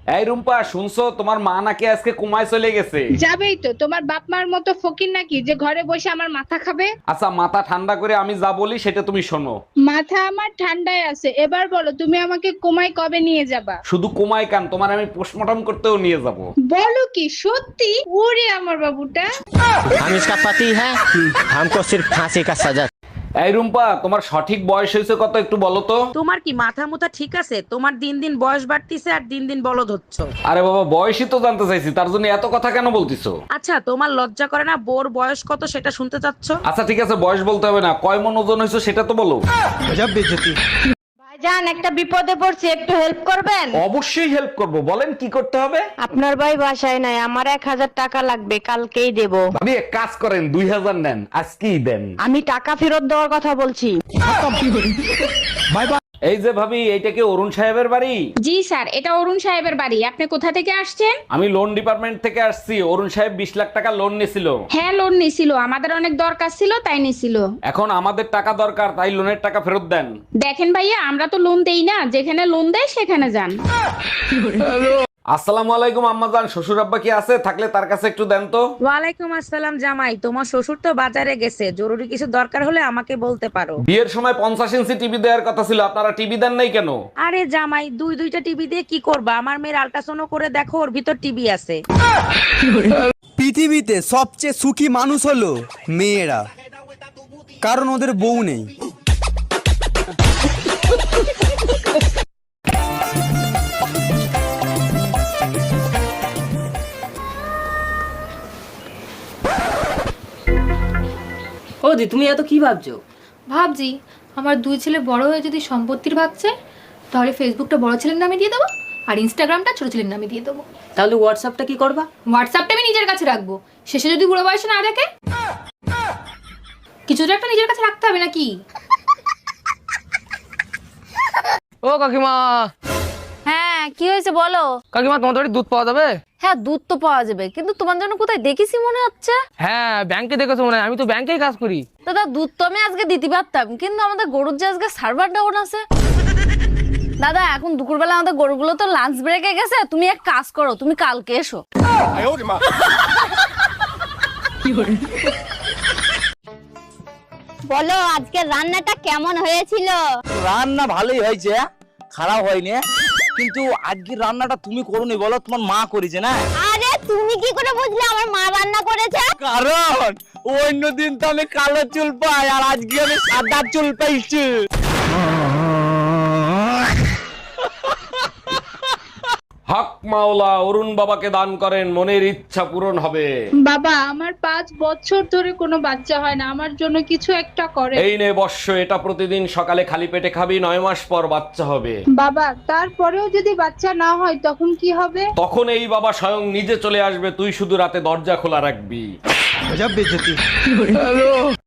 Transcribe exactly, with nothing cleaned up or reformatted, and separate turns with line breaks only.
এই রুম্পা, শুনছো তোমার মা নাকি আজকে কুমায় চলে গেছে?
যাবেই তো, তোমার বাপ মার মতো ফকির নাকি যে ঘরে বসে আমার মাথা খাবে।
আচ্ছা, মাথা ঠান্ডা করে আমি যা বলি সেটা তুমি শোনো।
মাথা আমার ঠান্ডায় আছে, এবার বলো তুমি আমাকে কুমায় কবে নিয়ে যাবা?
শুধু কুমায় কান, তোমার আমি পোস্টমর্টম করতেও নিয়ে যাব।
বলো কি সত্যি? ওরে আমার বাবুটা।
हम इसका पति है, हमको सिर्फ फांसी का सजा।
এই রুম্পা, তোমার সঠিক বয়স হয়েছে কত একটু বলো তো?
তোমার কি মাথা মুথা ঠিক আছে? তোমার দিন দিন বয়স বাড়তিছে আর দিন দিন বলদ হচ্ছ।
আরে বাবা, বয়সই তো জানতে চাইছি, তার জন্য এত কথা কেন বলতিছো?
আচ্ছা, তোমার লজ্জা করে না বোর বয়স কত সেটা শুনতে চাচ্ছ?
আচ্ছা ঠিক আছে, বয়স বলতে হবে না, কয় মন ওজন হয়েছে সেটা তো বলো।
ভাইজান একটা বিপদে পড়ছি, একটু হেল্প করবেন?
অবশ্যই হেল্প করব, বলেন কি করতে হবে।
আপনার ভাই বাসায় নাই, আমার এক হাজার টাকা লাগবে, কালকেই দেব।
ভাবি এক কাজ করেন, দুই হাজার নেন, আজকেই দেন।
আমি টাকা ফেরত দেওয়ার কথা বলছি।
এই যে ভাবি, এইটা কি অরুণ সাহেবের বাড়ি?
জি স্যার, এটা অরুণ সাহেবের বাড়ি। আপনি কোথা থেকে আসছেন?
আমি লোন ডিপার্টমেন্ট থেকে আসছি। অরুণ সাহেব বিশ লাখ টাকা লোন নিছিল।
হ্যাঁ, লোন নিছিল, আমাদের অনেক দরকার ছিল তাই নিছিল।
এখন আমাদের টাকা দরকার, তাই লোনের টাকা ফেরত দেন।
দেখেন ভাইয়া, আমরা তো লোন দেই না, যেখানে লোন দেয় সেখানে যান।
আসসালামু আলাইকুম আম্মাজান, শ্বশুর আব্বা কি আছে? থাকলে তার কাছে একটু দেন তো।
ওয়ালাইকুম আসসালাম জামাই, তোমার শ্বশুর তো বাজারে গেছে, জরুরি কিছু দরকার হলে আমাকে বলতে পারো।
বিয়ের সময় পঞ্চাশ ইঞ্চি টিভি দেওয়ার কথা ছিল, আপনারা টিভি দেন নাই কেন?
আরে জামাই, দুই দুইটা টিভি দিয়ে কি করবা? আমার মেয়ের আল্ট্রাসাউন্ড করে দেখো, ওর ভিতর টিভি আছে।
পৃথিবীতে সবচেয়ে সুখী মানুষ হলো মেয়েরা, কারণ ওদের বউ নেই।
ও দি, তুমি এত কি ভাবছো?
ভাবছি আমার দুই ছেলে বড় হয়ে যদি সম্পত্তির ভাগছে, তাহলে ফেসবুকটা বড় ছেলের নামে দিয়ে দেবো আর ইনস্টাগ্রামটা ছোট ছেলের নামে দিয়ে দেবো।
তাহলে হোয়াটসঅ্যাপটা কি করবা?
হোয়াটসঅ্যাপটা আমি নিজের কাছে রাখবো, শেষে যদি বুড়ো বয়সে না দেখে কিছুটা একটা নিজের কাছে রাখতে হবে নাকি?
ও কাকিমা।
হ্যাঁ, কি হয়েছে বলো?
কাকিমা, তোমার বাড়ি দুধ পাওয়া যাবে?
হ্যাঁ, দুধ তো পাওয়া যাবে, কিন্তু তোমার জন্য কোথায় দেখেছি মনে হচ্ছে।
হ্যাঁ, ব্যাংকে দেখেছো মনে হয়, আমি তো ব্যাংকেই কাজ করি।
দাদা, দুধ তো আমি আজকে দিতে পারতাম, কিন্তু আমাদের গরুর যে আজকে সার্ভার ডাউন আছে। দাদা, এখন দুপুরবেলা আমাদের গরুগুলো তো লাঞ্চ ব্রেকে গেছে, তুমি এক কাজ করো, তুমি কালকে এসো। বলো, আজকে রান্নাটা কেমন হয়েছিল?
রান্না ভালোই হয়েছে, খারাপ হয়নি, কিন্তু আজকে রান্নাটা তুমি করোনি, বলো তোমার মা করেছে না?
আরে তুমি কি করে বুঝলে আমার মা রান্না করেছে?
কারণ অন্য দিন তো আমি কালো চুল পাই, আর আজকে আমি সাদা চুল পাইছি।
হক মাওলা, অরুণ বাবাকে দান করেন, মনের ইচ্ছা পূরণ হবে।
বাবা, আমার পাঁচ বছর ধরে কোনো বাচ্চা হয় না, আমার জন্য কিছু একটা করে।
এই নে বর্ষ, এটা প্রতিদিন সকালে খালি পেটে খাবি, নয় মাস পর বাচ্চা হবে।
বাবা, তারপরেও যদি বাচ্চা না হয় তখন কি হবে?
তখন এই বাবা স্বয়ং নিজে চলে আসবে, তুই শুধু রাতে দরজা খোলা রাখবি।